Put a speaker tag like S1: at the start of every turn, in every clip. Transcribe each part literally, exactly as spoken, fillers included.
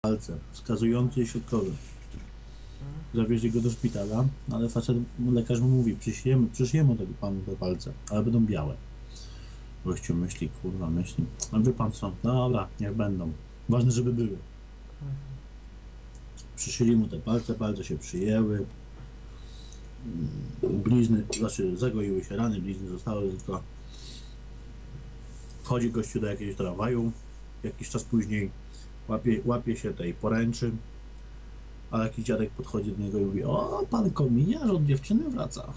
S1: palce, wskazujący i środkowy. Zawieźli go do szpitala, ale facet, lekarz mu mówi, przyszyjemy, przyszyjemy tego panu te palce, ale będą białe. Gościu myśli, kurwa, myśli, no wie pan co, dobra, niech będą. Ważne, żeby były. Przyszyli mu te palce, palce się przyjęły. Blizny, znaczy zagoiły się rany, blizny zostały tylko. Wchodzi gościu do jakiegoś tramwaju, jakiś czas później łapie, łapie się tej poręczy, a jakiś dziadek podchodzi do niego i mówi: o, pan kominiarz od dziewczyny wraca.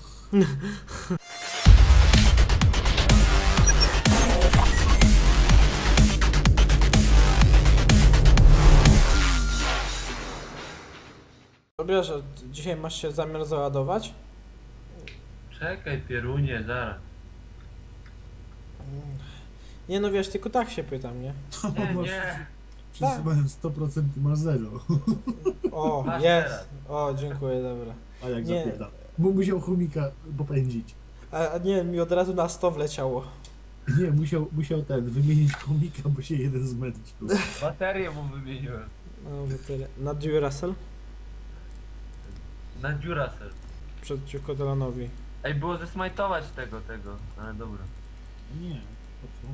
S2: Wiesz, że dzisiaj masz się zamiar załadować?
S3: Czekaj, pierunie, zaraz.
S2: Nie no wiesz, tylko tak się pytam, nie?
S3: Nie,
S1: Masz-
S3: nie.
S1: Wszyscy
S2: Tak.
S1: mają sto procent, ty masz zero.
S2: O,
S3: Masz
S2: jest!
S3: teraz.
S2: O, dziękuję, dobra.
S1: A jak
S2: Nie.
S1: zapierdala. Bo musiał chomika popędzić.
S2: A, a nie, mi od razu na sto wleciało.
S1: Nie, musiał, musiał ten, wymienić chomika, bo się jeden zmęczył.
S3: Baterię mu wymieniłem.
S2: No, no tyle. Na Duracell?
S3: Na Duracell.
S2: Przeciwko Delanowi.
S3: Ej, było zesmajtować tego, tego, ale dobra.
S1: Nie, po co?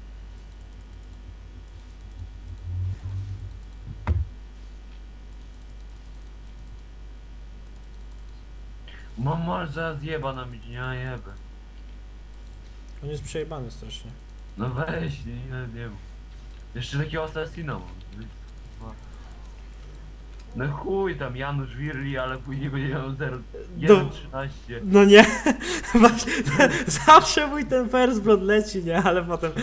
S3: Mam mal zaraz jeba na mnie, nie jebę.
S2: On jest przejebany strasznie.
S3: No weź, nie, nie, nie mów. Jeszcze takiego asasina mam. No chuj tam, Janusz Wirli, ale później będzie miał zero jeden trzynaście.
S2: No nie, właśnie, zawsze mój ten first blood leci, nie? Ale potem...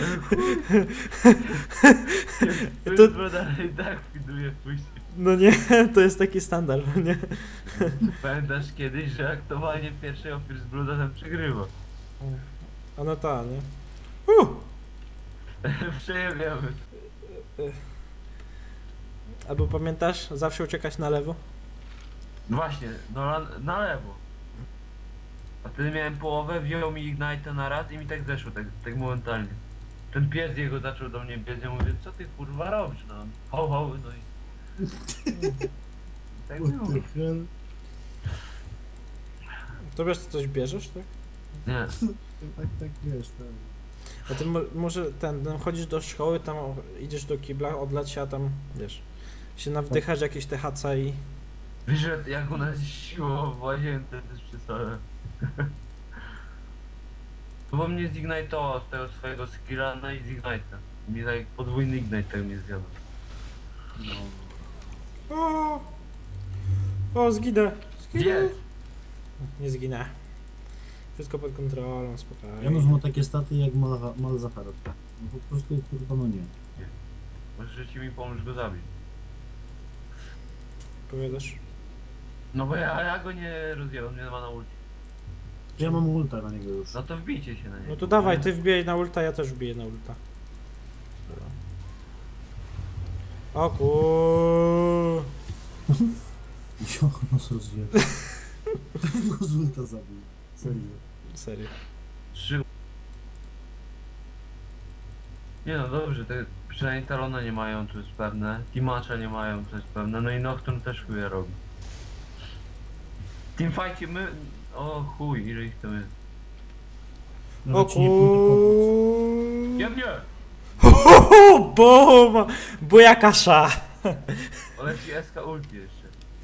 S3: To
S2: To-
S3: jest dalej tak widuje później.
S2: No nie, to jest taki standard, no nie?
S3: Pamiętasz kiedyś, że aktowanie pierwszego First Blooda tam przegrywa.
S2: A no ta, nie? Uh!
S3: Przejebiamy.
S2: Albo pamiętasz, zawsze uciekać na lewo?
S3: Właśnie, no na, na lewo. A wtedy miałem połowę, wziął mi Ignite na raz i mi tak zeszło, tak, tak momentalnie. Ten pies jego zaczął do mnie biec, ja mówię, co ty kurwa robisz, no. Ho, ho, no i... Tak
S1: What
S3: było.
S1: the hell?
S2: To wiesz, co coś bierzesz, tak?
S3: Nie.
S1: Tak, tak, wiesz, tak.
S2: A ty mo może ten, ten chodzisz do szkoły, tam o- idziesz do kibla, odlać się, a tam, wiesz, się nawdychasz jakieś te H C i...
S3: Wiesz, że jak u nas siło w łazience, to jest przesada. Bo mnie zignitował z tego swojego skilla, no i z Ignite'a. Mi tak podwójny Ignite tak mnie zjadł. No.
S2: O, o zginę, zginę.
S3: Gdzie?
S2: Nie zginę. Wszystko pod kontrolą, spokojnie.
S1: Janusz ma takie staty jak Mal- Malzahar. No po prostu, kurwa, no nie.
S3: Możesz ci mi pomóż go zabić.
S2: Powiadasz?
S3: No bo ja, ja go nie rozjebam, nie ma na ulti.
S1: Ja mam ulta na niego już.
S3: No to wbijcie się na niego.
S2: No to dawaj, ty wbijaj na ulta, ja też wbiję na ulta. O kur...
S1: Jo, nos rozjebał. Go z ulta zabił. Serio.
S2: Serio.
S3: Trzy... Nie no dobrze, te, przynajmniej Talona nie mają, to jest pewne. Timacza nie mają, to jest pewne. No i Nocturne też chuja robi. W teamfightie my... O chuj, ile ich tam jest.
S2: O
S1: Nawet ci nie pójdę pomóc.
S2: kur...
S3: Ja mnie!
S2: Bum! Buja kasza!
S3: Ale ci S K ulti jeszcze.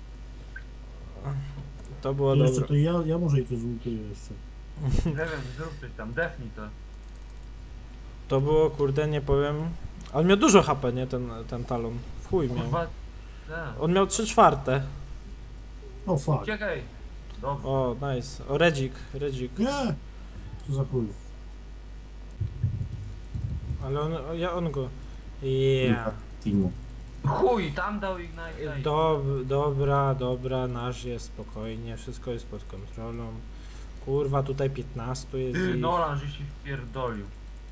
S2: To było
S1: Jeszcze
S2: dobre.
S1: to ja, ja może i to zultuję jeszcze.
S3: Nie wiem, zrób coś tam, defnij to.
S2: To było, kurde, nie powiem... On miał dużo H P, nie? Ten, ten talon. W chuj miał.
S3: Kurwa... Tak.
S2: On miał trzy czwarte.
S1: O fuck.
S3: Uciekaj! Dobrze.
S2: O, nice. O, Redzik, Redzik.
S1: Nie! Co za chuj.
S2: Ale on, o, ja on go... Yeah.
S1: Timo.
S3: Chuj, tam dał Ignite.
S2: Dob, dobra, dobra, nasz jest spokojnie, wszystko jest pod kontrolą. Kurwa, tutaj piętnaście jest
S3: Ty,
S2: i...
S3: Nolan, że się wpierdolił.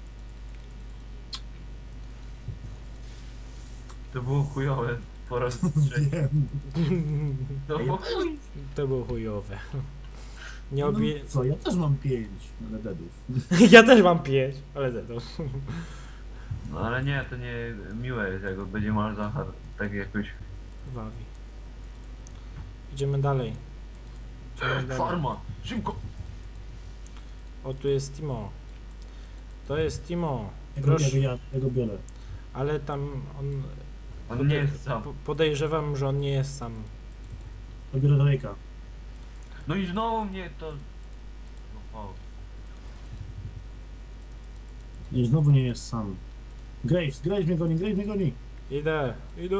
S3: To było chujowe po raz trzeci.
S1: Wiem.
S3: No bo chuj.
S2: To było chujowe. Nie
S1: No,
S2: obi...
S1: co, ja też mam pięć, ale deadów.
S2: Ja też mam pięć, ale to.
S3: No ale nie, to nie miłe jest, jak będzie Malzahar tak jakoś...
S2: Wawi. Idziemy dalej. Idziemy dalej.
S3: Farma! Szybko!
S2: O, tu jest Timo. To jest Timo.
S1: Ja go,
S2: Proszę.
S1: ja, go- ja go biorę.
S2: Ale tam on...
S3: On nie jest sam.
S2: po- Podejrzewam, że on nie jest sam.
S1: Ja biorę Drake'a.
S3: No i znowu mnie to... No, o.
S1: I znowu nie jest sam. Graves, Graves mnie goni, Graves mnie goni.
S2: Idę, idę.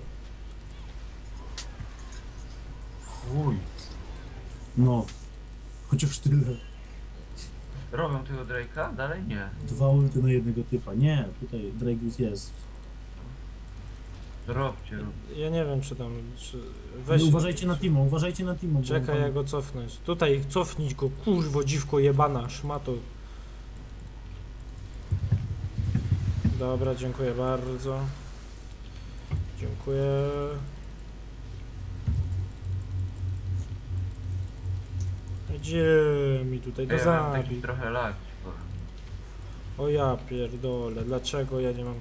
S3: Uj.
S1: No. Chociaż tyle.
S3: Robią tego Drake'a? Dalej nie.
S1: Dwa ulty na jednego typa. Nie, tutaj Drake już jest.
S3: Robcie, róbcie.
S2: Ja nie wiem, czy tam... Czy...
S1: Weź, uważajcie na Timo, uważajcie na Timo. bo
S2: Czekaj,
S1: tam-
S2: jak go cofnąć. Tutaj cofnij go, kurwo, dziwko jebana, szmato. Dobra, dziękuję bardzo. Dziękuję. Gdzie mi tutaj go
S3: Ja mam taki
S2: zabić?
S3: trochę lag.
S2: O ja pierdolę, dlaczego ja nie mam...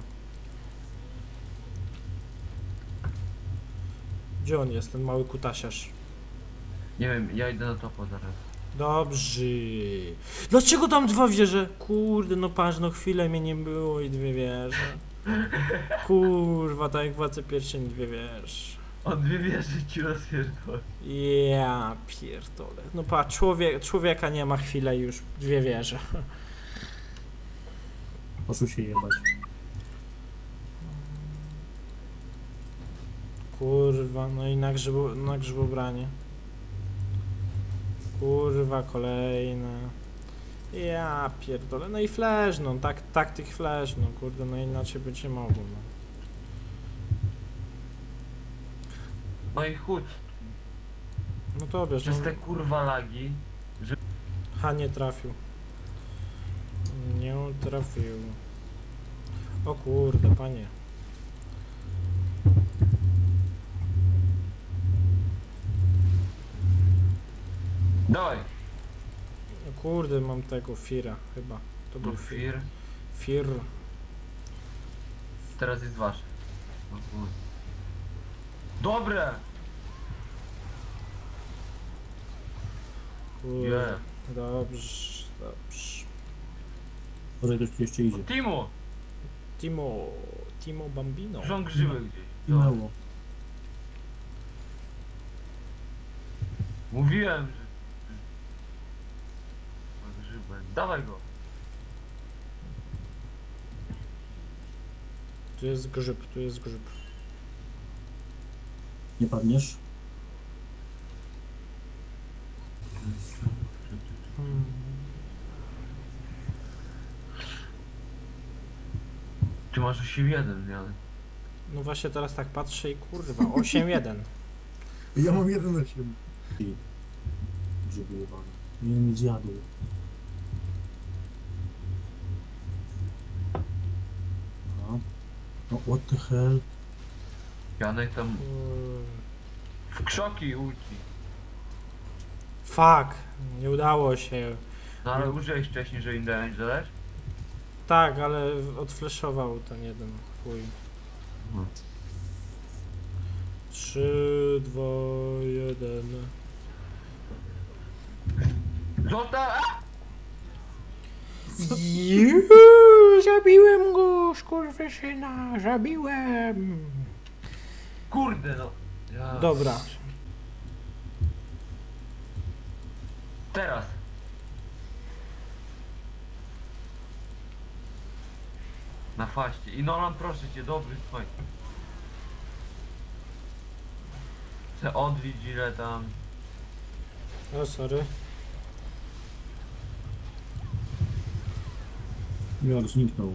S2: Gdzie on jest, ten mały kutasiarz?
S3: Nie wiem, ja idę na topo zaraz.
S2: Dobrze. Dlaczego tam dwa wieże? Kurde, no patrz, no chwilę mnie nie było i dwie wieże. Kurwa, tak jak władze pierścieni dwie wieże.
S3: On dwie wieży ci rozpierdol.
S2: Ja pierdolę. No patrz, człowiek, człowieka nie ma chwilę już dwie wieże.
S1: Poszło się jebać.
S2: Kurwa, no i na, grzybo, na grzybobranie. Kurwa, kolejne. Ja pierdolę. No i flash, no tak, taktyk flash, no kurde, no inaczej być nie mogło. No.
S3: No i chuj,
S2: No to wiesz,
S3: przez
S2: no,
S3: te kurwa lagi.
S2: ha, nie trafił. Nie trafił. O kurde, panie.
S3: Dawaj!
S2: O kurde, mam tego Fira chyba. To był
S3: No
S2: Fir.
S3: fir.
S2: Fir.
S3: Teraz jest wasze. No chuj. Dobre!
S2: Kurde.
S3: Yeah.
S2: Dobrze, dobrze.
S1: Może ktoś tu jeszcze idzie.
S3: Timo!
S2: Timo, Timo Bambino.
S3: Tu są grzyby gdzieś.
S1: I
S3: No.
S1: mało.
S3: Mówiłem, że... Ma grzyby. Dawaj go!
S2: Tu jest grzyb, tu jest grzyb.
S1: Nie padniesz?
S2: Hmm.
S3: Ty masz osiem jeden, nie?
S2: No właśnie teraz tak patrzę i kurwa, osiem jeden.
S1: Ja mam jeden osiem. I grzyby jebane. Nie mi zjadł. No. No what the hell?
S3: Janek tam
S2: Kur-
S3: w krzoki ulci.
S2: Fuck, nie udało się.
S3: No ale użyłeś wcześniej, że im damage dodać?
S2: Tak, ale odflashował ten jeden chuj.
S3: Mhm.
S2: trzy, dwa, jeden.
S3: Zostaw! A!
S2: Juuu, zabiłem go, skurwysyna, zabiłem.
S3: Kurde no! Ja.
S2: Dobra,
S3: Teraz! Na faście. I Nolan, proszę cię, dobry smaj. Chcę odbić ile tam.
S2: o sorry.
S1: Jak zniknął.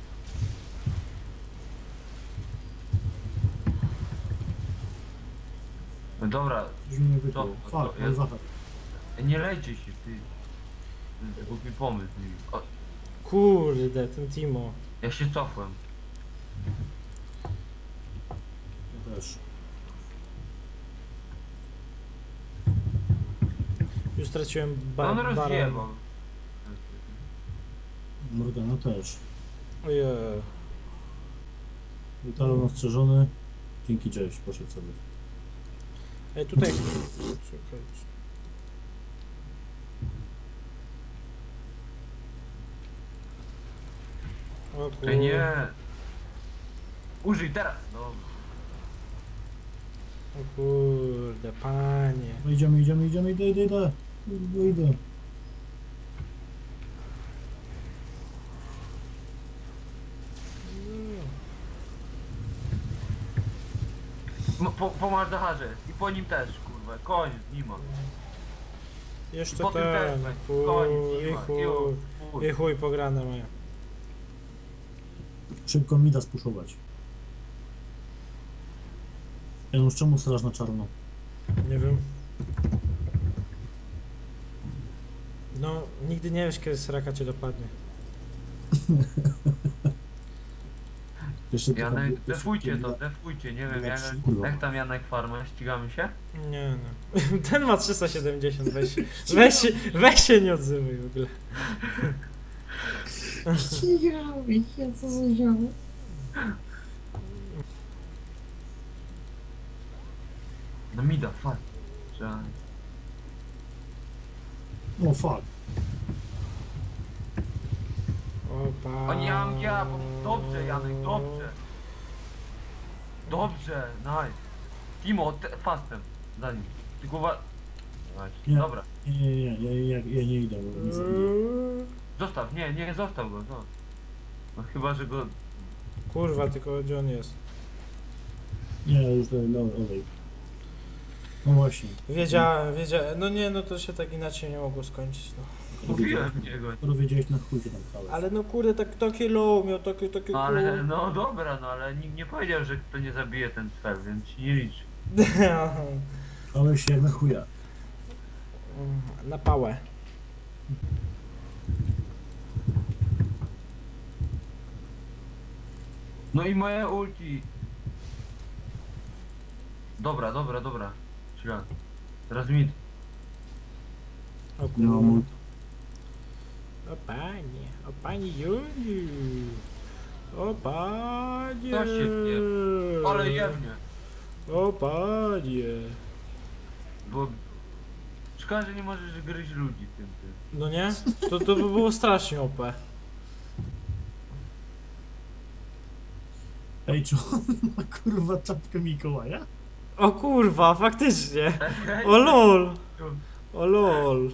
S3: No dobra,
S1: Coś mi nie wyszło.
S3: Co?
S1: Fuck,
S3: To
S1: ale
S3: jest-
S1: zachar.
S3: nie lejcie się, ty. To jest głupi pomysł. O,
S2: Kurde, ten Timo.
S3: ja się cofłem.
S1: Ja też.
S2: Już straciłem ba
S3: On
S2: baron.
S3: rozjebał.
S1: Morgana też.
S2: Ojej.
S1: Talon ostrzeżony. Dzięki, cześć, poszedł sobie.
S2: Ej, tutaj... Czekajcie. O
S3: Ty
S2: kurde.
S3: nie. Użyj teraz, no.
S2: O kurde, panie.
S1: No idziemy, idziemy, idziemy, idę, idę, idę. Idę, idę.
S3: M- Po, po Marzacharze i po nim też, kurwa, koniec, nie ma.
S2: Jeszcze
S3: Po tym też,
S2: ten,
S3: weź,
S2: chuj,
S3: koniec, nie
S2: i
S3: ma.
S2: chuj,
S3: Jo, chuj.
S2: i chuj pograne moje.
S1: Szybko mi da spuszować. Janusz, czemu straż na czarno?
S2: Nie wiem. No, nigdy nie wiesz, kiedy sraka cię dopadnie.
S1: Jeszcze tylko-
S3: Janek,
S1: jeszcze
S3: defujcie to,
S1: tylko-
S3: defujcie, nie wiem, jak,
S1: Kurwa.
S3: jak tam Janek Farma, ścigamy się?
S2: Nie no. Ten ma trzysta siedemdziesiąt, weź, się- weź, się- weź się nie odzywaj w ogóle.
S1: Ja co zrobiłem?
S3: No mi da, fuck. Trzeba...
S1: O fuck.
S2: Opa.
S3: O nie mam ja, bo... Dobrze Janek, dobrze. Dobrze, nice. Timo, te, fastem, za nim. Tylko uwa... Właśnie,
S1: Nie.
S3: dobra.
S1: Nie, nie, nie, ja, ja, ja nie idę, bo nie zabiję.
S3: Zostaw, nie, nie, zostaw go, no. No chyba, że go...
S2: Kurwa, tylko gdzie on jest?
S1: Nie, już dalej, dalej, olej. No właśnie.
S2: Wiedziałem, wiedziałem. No nie, no to się tak inaczej nie mogło skończyć, no.
S3: Mówiłem niego.
S1: Skoro wiedziałeś, na chuj się tam pchałeś.
S2: Ale no kurde, tak, takie low miał, takie, takie
S3: No ale, no dobra, no ale nikt nie powiedział, że kto nie zabije ten cel, więc się nie liczy.
S1: Pchałeś się jak na chuja.
S2: Na pałę.
S3: No i moje ulti. Dobra, dobra, dobra. Chwila. Teraz mid.
S2: O
S1: Nie mam
S2: kurwa.
S1: ulti.
S2: O panie, o pani Juniu. O panie.
S3: To się pie- Ale jemnie.
S2: O panie.
S3: Bo... Szkoda, że nie możesz gryźć ludzi tym, tym.
S2: No nie? To, to by było strasznie O P.
S1: Ej, czy on ma kurwa czapkę Mikołaja?
S2: O kurwa, faktycznie. O lol. O lol.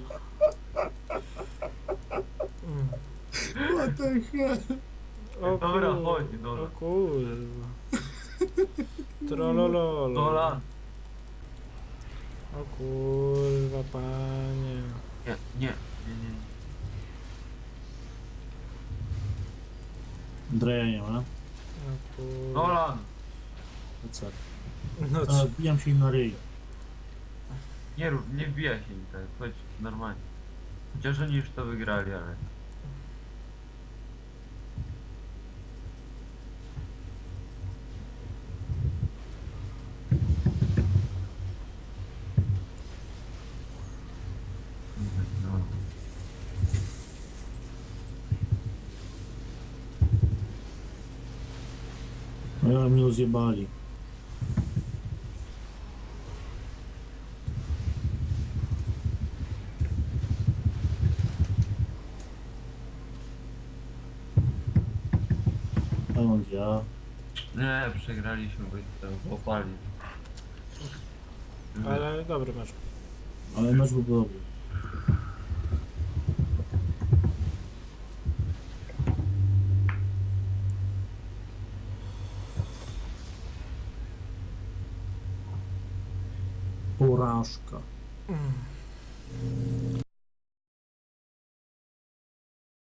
S2: Mm.
S1: What the hell?
S2: O
S3: Dobra,
S2: kur-
S3: chodź, dobra.
S2: O kurwa. Trolololo.
S3: Dolan.
S2: O kurwa, panie.
S3: Nie, nie, nie, nie.
S1: Dreja nie ma.
S2: O kurwa.
S3: Dolan.
S1: No co?
S2: No
S1: A,
S2: co?
S1: wbijam się im na ryj.
S3: Nie rób, nie wbijaj się im tak, chodź, normalnie. Chociaż oni już to wygrali, ale... No.
S1: No ja mnie rozjebali. A on ja.
S3: Nie, przegraliśmy, bo ich tam popali.
S2: Ale dobry masz.
S1: Ale mecz był dobry. Porażka.
S2: Mm.